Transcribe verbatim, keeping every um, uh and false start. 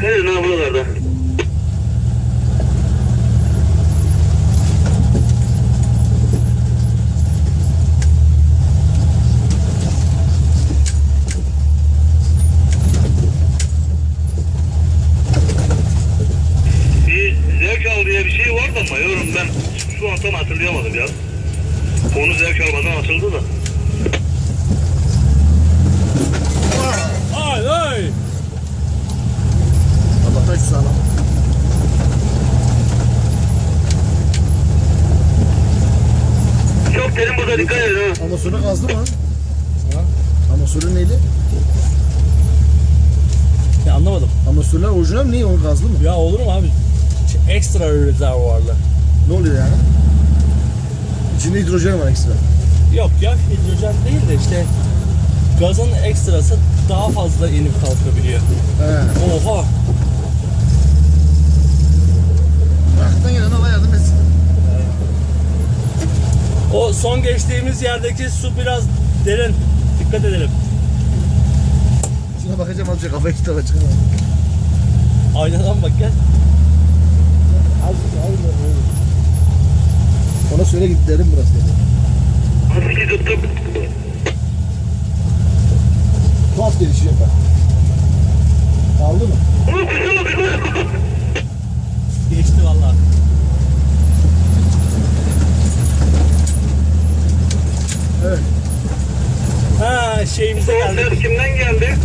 Evet, ne buralarda? Bir zevk al diye bir şey vardı ama yorum ben şu an tam hatırlayamadım ya. Konu zevk almadan atıldı da. Ay ay. Allah taş sağlam. Çok derin burada, dikkat edin ha. Amasörü gazlı mı? Ha? Amasörü neyli? Ya anlamadım. Amasörler orijinal mi? Neyi? Onun gazlı mı? Ya olur mu abi? Ç- Ekstra rezervuarlı. Ne oluyor yani? İçinde hidrojen var ekstra. Yok ya hidrojen değil de işte gazın ekstrası daha fazla inip kalkabiliyor. He. Oha. Bıraktan gelen Allah yardım etsin. O son geçtiğimiz yerdeki su biraz derin. Dikkat edelim. Şuna bakacağım azıcık kafayı kitaba çıkamam. Aynadan bak gel. Ona söyle git derim burası dedi. Nasıl ki tuttuk? Tuhaf gelişi yapar. Kaldı mı? Ulan kuşa bak kuşa. Geçti vallahi. Evet. Ha şeyimize O geldik. ses kimden geldi?